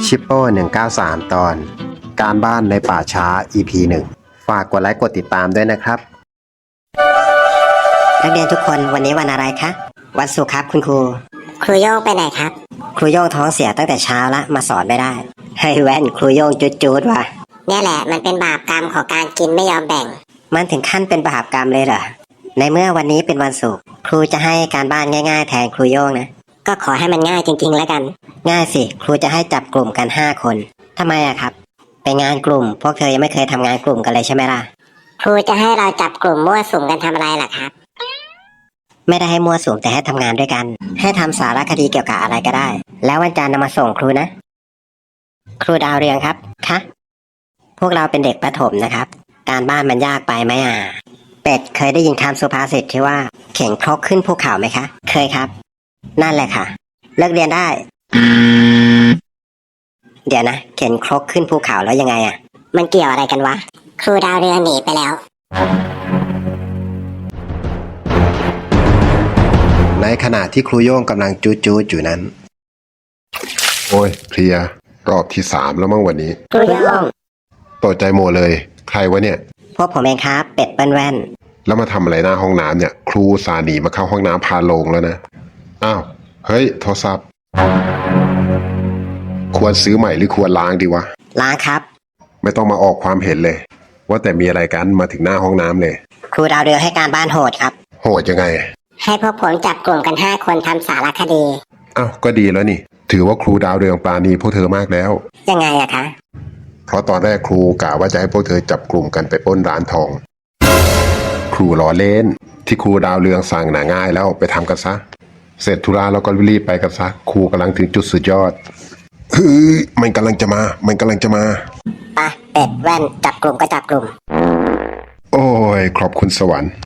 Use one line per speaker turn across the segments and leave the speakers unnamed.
ชิปโป้193 ตอนการบ้านในป่าช้า EP 1 ฝากกดไลค์กดติดตามด้วยนะครับ
นักเรียนทุกคนวันนี้วันอะไรคะวันศุกร์ครับคุณครู
ครูโย่งไปไหนครับ
ครูโย่งท้องเสียตั้งแต่เช้าละมาสอนไม่ได้ให้แว่นครูโย่งจุดว่ะ
เนี่ยแหละมันเป็นบาปกรรมของการกินไม่ยอมแบ่ง
มันถึงขั้นเป็นบาปกรรมเลยเหรอในเมื่อวันนี้เป็นวันศุกร์ครูจะให้การบ้านง่ายๆแทนครูโย่งนะ
ก็ขอให้มันง่ายจริงๆแล้วกัน
ง่ายสิครูจะให้จับกลุ่มกัน5 คนทำไมอะครับเป็นงานกลุ่มพวกเธอยังไม่เคยทำงานกลุ่มกันเลยใช่ไหมล่ะ
ครูจะให้เราจับกลุ่มมั่วสุมกันทำอะไรล่ะครับ
ไม่ได้ให้มั่วสุมแต่ให้ทำงานด้วยกันให้ทำสารคดีเกี่ยวกับอะไรก็ได้แล้ววันจันทร์นำมาส่งครูนะครูดาวเรืองครับคะพวกเราเป็นเด็กประถมนะครับการบ้านมันยากไปไหมเป็ดเคยได้ยินคำสุภาษิตที่ว่าเข่งครกขึ้นภูเขาไหมคะเคยครับนั่นแหละค่ะเลิกเรียนได้เดี๋ยวนะเข็นครกขึ้นภูเขาแล้วยังไง
มันเกี่ยวอะไรกันวะครูดาวเรืองหนีไปแล้ว
ในขณะที่ครูโย่งกำลังจู๊อยู่นั้น
โอ้ยเพลียรอบที่3แล้วมั้งวันนี้
ครูโย่ง
ตกใจหมดเลยใครวะเนี่ย
พวกผมเองครับเป็ดเปิ้ลแว่น
แล้วมาทำอะไรหน้าห้องน้ำเนี่ยครูสาหนีมาเข้าห้องน้ำพาลงแล้วนะอ้าวเฮ้ยโทรศัพท์ควรซื้อใหม่หรือควรล้างดีวะ
ล้างครับ
ไม่ต้องมาออกความเห็นเลยว่าแต่มีอะไรกันมาถึงหน้าห้องน้ำเลย
ครูดาวเรืองให้การบ้านโหดครับ
โหดยังไง
ให้พวกผมจับกลุ่มกัน5 คนทำสารคดี
อ้าวก็ดีแล้วนี่ถือว่าครูดาวเรืองปราณีพวกเธอมากแล้ว
ยังไงอะคะ
เพราะตอนแรกครูกะว่าจะให้พวกเธอจับกลุ่มกันไปปล้นร้านทองครูล้อเล่นที่ครูดาวเรืองสั่งหนาง่ายแล้วไปทำกันซะเสร็จธุระแล้วก็รีบไปกันซะครูกำลังถึงจุดสุดยอดเฮ้ยมันกำลังจะมา
ไปเป็ดแว่นจับกลุ่มก็จับกลุ่ม
โอ้ยขอบคุณสวรรค์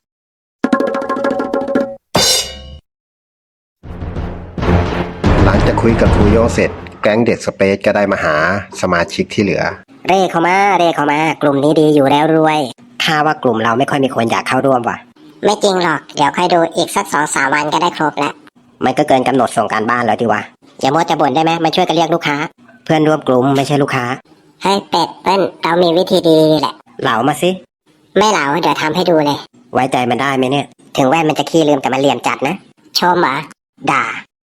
หลังจากคุยกับครูโย่งเสร็จแก๊งเด็กสเปซก็ได้มาหาสมาชิกที่เหลือ
เร่เข้ามากลุ่มนี้ดีอยู่แล้วรวยข้าว่ากลุ่มเราไม่ค่อยมีคนอยากเข้าร่วมว่ะ
ไม่จริงหรอกเดี๋ยวค่อยดูอีกสัก2-3 วันก็ได้ครบแล้ว
มันก็เกินกำหนดส่งการบ้านแล้วดีวะอย่ามัวจะบ่นได้ไหมมาช่วยกันเรียกลูกค้าเพื่อนร่วมกลุ่มไม่ใช่ลูกค้า
ให้เป็ดเปิ้ลเรามีวิธีดีแหละ
เหลามาสิ
ไม่เหลาเดี๋ยวทำให้ดูเลย
ไว้ใจมันได้ไหมเนี่ยถึงแว่นมันจะขี้ลืมแต่มันเหลี่ยมจัดนะ
ชมเหรอด่า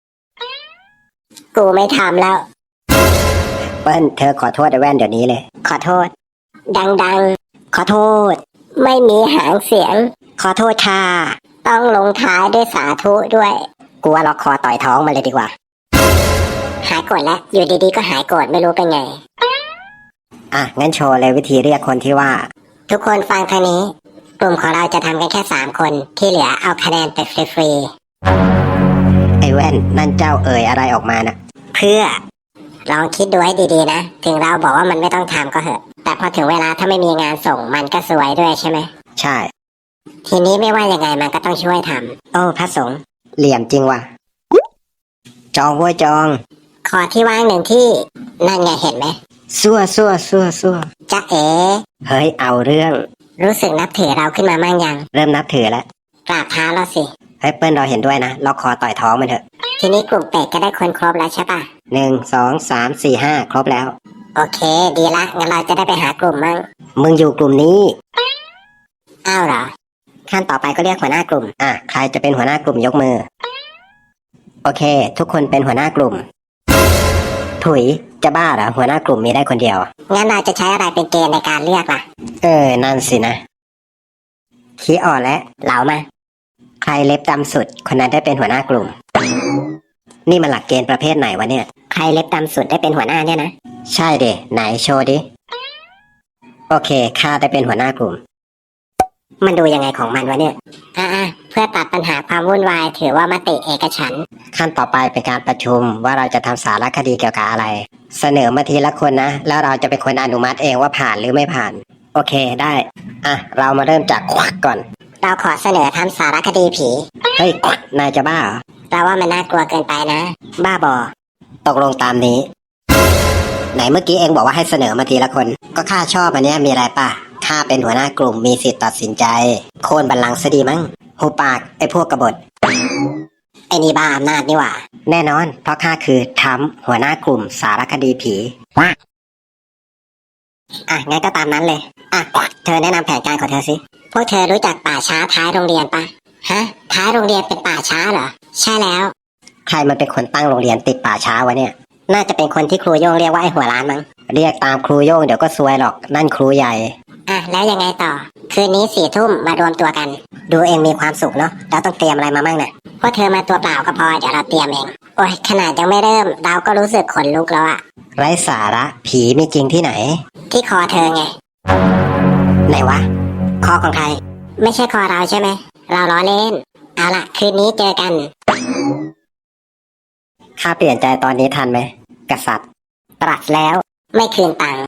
กูไม่ทำแล้ว
เปิ้ลเธอขอโทษไอ้แว่นเดี๋ยวนี้เลย
ขอโทษดัง
ขอโทษ
ไม่มีหางเสียง
ขอโทษค่ะ
ต้องลงท้ายด้วยสาธุด้วย
กูว่าล็อกคอต่อยท้องมาเลยดีกว่า
หายโกรธแล้วอยู่ดีๆก็หายโกรธไม่รู้เป็นไง
งั้นโชว์เลยวิธีเรียกคนที่ว่า
ทุกคนฟังทางนี้กลุ่มของเราจะทำกันแค่3 คนที่เหลือเอาคะแนนไปฟรี
ไอ้แว่นนั่นเจ้าเอ่ยอะไรออกมานะ
เพื่อลองคิดดูให้ดีๆนะถึงเราบอกว่ามันไม่ต้องทำก็เหอะแต่พอถึงเวลาถ้าไม่มีงานส่งมันก็สวยด้วยใช่ไหม
ใช่
ทีนี้ไม่ว่ายังไงมันก็ต้องช่วยทำ
โอ้พระสงฆ์เหลี่ยมจริงว่ะจองว้ยจอง
ขอที่ว่าง1 ที่นั่นไงเห็นไหม
ซั่ว
จ๊ะเอ๋
เฮ้ยเอาเรื่อง
รู้สึกนับถือเราขึ้นมามั่งยัง
เริ่มนับถือแล้ว
กราบเท้าเราสิ
เฮ้ยเปิ้ลเราเห็นด้วยนะล็อกคอต่อยท้องมันเถอะ
ทีนี้กลุ่มเป็ดก็ได้คนครบแล้วใช่ปะ
1 2 3 4 5ครบแล้ว
โอเคดีละงั้นเราจะได้ไปหากลุ่มมั่ง
มึงอยู่กลุ่มนี้
อ้าวเหรอ
ขั้นต่อไปก็เรียกหัวหน้ากลุ่มใครจะเป็นหัวหน้ากลุ่มยกมือโอเคทุกคนเป็นหัวหน้ากลุ่มถุยจะบ้าเหรอหัวหน้ากลุ่มมีได้คนเดียว
งั้นเราจะใช้อะไรเป็นเกณฑ์ในการเลือกล่ะ
นั่นสินะขี้อ่อนและ
เหลามา
ใครเล็บดำสุดคนนั้นได้เป็นหัวหน้ากลุ่มนี่มันหลักเกณฑ์ประเภทไหนวะเนี่ย
ใครเล็บดำสุดได้เป็นหัวหน้าเนี่ยนะ
ใช่เดไหนโชว์ดิโอเคข้าได้เป็นหัวหน้ากลุ่ม
มันดูยังไงของมันวะเนี่ยเพื่อตัดปัญหาความวุ่นวายถือว่ามติเอกฉันท์
ขั้นต่อไปเป็นการประชุมว่าเราจะทำสารคดีเกี่ยวกับอะไรเสนอมาทีละคนนะแล้วเราจะเป็นคนอนุมัติเองว่าผ่านหรือไม่ผ่านโอเคได้เรามาเริ่มจากควักก่อน
เราขอเสนอทำสารคดีผี
เฮ้ยนายจะบ้าเหรอ
เราว่ามันน่ากลัวเกินไปนะ
บ้าบอตกลงตามนี้ไหนเมื่อกี้เองบอกว่าให้เสนอมาทีละคนก็ข้าชอบอันนี้มีอะไรป่ะข้าเป็นหัวหน้ากลุ่มมีสิทธิ์ตัดสินใจโค่นบัลลังก์ซะดีมั้งหูปากไอ้พวกกบฏอ้นี่บ้าอำนาจนี่หว่า แน่นอน เพราะข้าคือทรัมป์หัวหน้ากลุ่มสารคดีผีอ่ะงั้นก็ตามนั้นเลยอ่ะเธอแนะนำแผนการของเธอสิ
พวกเธอรู้จักป่าช้าท้ายโรงเรียนปะฮะ ท้ายโรงเรียนเป็นป่าช้าเหรอ ใช่แล้ว
ใครมันเป็นคนตั้งโรงเรียนติดป่าช้าวะเนี่ย น่าจะเป็นคนที่ครูโย่งเรียกว่าไอ้หัวล้านมั้ง เรียกตามครูโย่งเดี๋ยวก็ซวยหรอก นั่นครูใหญ่
อ่ะแล้วยังไงต่อ คืนนี้4 ทุ่มมารวมตัวกัน
ดูเองมีความสุขเนาะแล้วต้องเตรียมอะไรมามั่งเนี่ย
พวกเธอมาตัวเปล่าก็พอเดี๋ยวเราเตรียมเอง โอ้ยขนาดยังไม่เริ่ม เราก็รู้สึกขนลุกแล้วอะ
ไร้สาระผีมีจริงที่ไหน
ที่คอเธอไง
ไหนวะ คอของใคร
ไม่ใช่คอเราใช่ไหม เราล้อเล่น เอาล่ะ คืนนี้เจอกัน
ข้าเปลี่ยนใจตอนนี้ทันไหมกษัตริย์ ตรัสแล้ว
ไม่คืนตังค์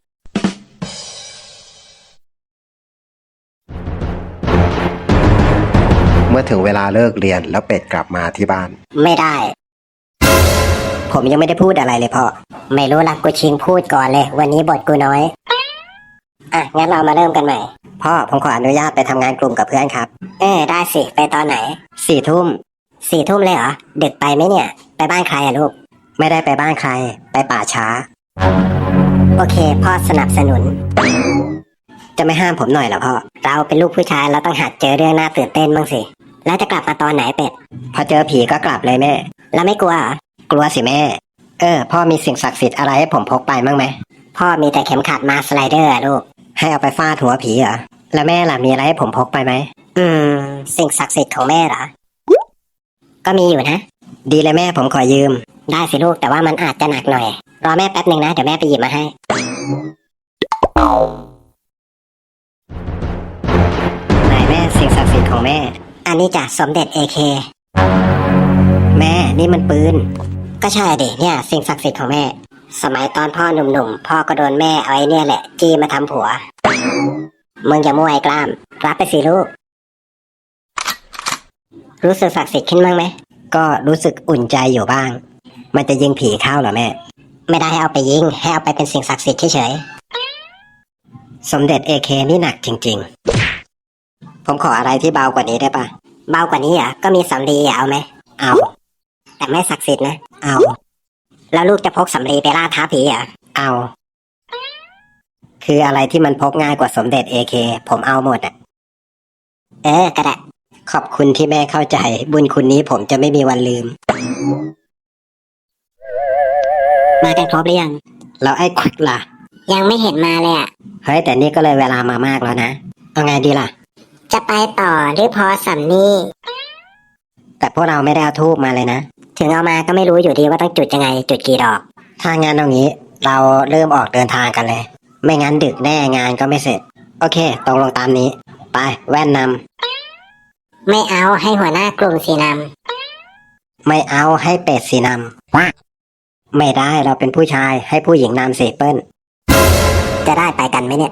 เมื่อถึงเวลาเลิกเรียนแล้วเป็ดกลับมาที่บ้าน
ไม่ได้ ผมยังไม่ได้พูดอะไรเลยพ่อ
ไม่รู้ละกูชิงพูดก่อนเลย วันนี้บทกูน้อย
อ่ะ งั้นเรามาเริ่มกันใหม่ พ่อผมขออนุญาตไปทำงานกลุ่มกับเพื่อนครับ
ได้สิ ไปตอนไหน
4 ทุ่ม
4 ทุ่มเลยเหรอ ดึกไปไหมเนี่ย ไปบ้านใครอะลูก
ไม่ได้ไปบ้านใคร ไปป่าช้า
โอเค พ่อสนับสนุน
จะไม่ห้ามผมหน่อยเหรอพ่อ
เราเป็นลูกผู้ชายเราต้องหัดเจอเรื่องน่าตื่นเต้นบ้างสิ แล้วจะกลับมาตอนไหนเป็ด
พอเจอผีก็กลับเลยแม่
แล้วไม่กลัวเหรอ
กลัวสิแม่ พ่อมีสิ่งศักดิ์สิทธิ์อะไรให้ผมพกไปมั้งไหม
พ่อมีแต่เข็มขัดมาสไลเดอร์อะลูก
ให้เอาไปฟาดหัวผีเหรอ แล้วแม่ล่ะมีอะไรให้ผมพกไปไหม
สิ่งศักดิ์สิทธิ์ของแม่เหรอ ก็มีอยู่นะ
ดีเลยแม่ผมขอยืม
ได้สิลูกแต่ว่ามันอาจจะหนักหน่อย รอแม่แป๊บหนึ่งนะ เดี๋ยวแม่ไปหยิบมาให้
ไหนแม่สิ่งศักดิ์สิทธิ์ของแม่
อันนี้จ้ะสมเด็จ AK
แม่นี่มันปืน
ก็ใช่ดิเนี่ยสิ่งศักดิ์สิทธิ์ของแม่ สมัยตอนพ่อหนุ่มๆ พ่อก็โดนแม่เอาไอ้เนี่ยแหละ จี้มาทำผัว มึงอย่ามั่วไอ้กล้าม รับไปสิลูก รู้สึกศักดิ์สิทธิ์ขึ้นบ้างไหม
ก็รู้สึกอุ่นใจอยู่บ้าง มันจะยิงผีเข้าเหรอแม่
ไม่ได้ให้เอาไปยิง ให้เอาไปเป็นสิ่งศักดิ์สิทธิ์เฉย
สมเด็จ AK นี่หนักจริงๆ ผมขออะไรที่เบากว่านี้ได้ปะ
ๆ เบากว่านี้อ่ะก็มีสำลีเอาไหม
เอา
แต่ไม่ศักดิ์สิทธิ์นะ
เอา
แล้วลูกจะพกสำลีไปล่าท้าผีอ่ะ
เอา คืออะไรที่มันพกง่ายกว่าสมเด็จ AK ผมเอาหมดอ่ะ
ก็ได้
ขอบคุณที่แม่เข้าใจ บุญคุณนี้ผมจะไม่มีวันลืม
มากันครบหรือยัง
แล้วไอ้ควิกล่ะ
ยังไม่เห็นมาเลยอ่ะ
เฮ้ยแต่นี่ก็เลยเวลามามากแล้วนะ เอาไงดีล่ะ
จะไปต่อหรือพอสำนี่
แต่พวกเราไม่ได้เอาทูบมาเลยนะ
ถึงเอามาก็ไม่รู้อยู่ดีว่าต้องจุดยังไง จุดกี่ดอก
ถ้างั้นเอางี้ เราเริ่มออกเดินทางกันเลย ไม่งั้นดึกแน่งานก็ไม่เสร็จ โอเคตกลงตามนี้ ไปแว่นน
ไม่เอาให้หัวหน้ากลุ่มสีน
ำไม่เอาให้เป็ดสีนำไม่ได้เราเป็นผู้ชายให้ผู้หญิงนำสิเปิ้ล
ำจะได้ไปกันไหมเนี่ย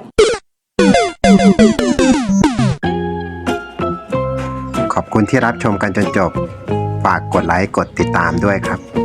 ขอบคุณที่รับชมกันจนจบ ฝากกดไลค์กดติดตามด้วยครับ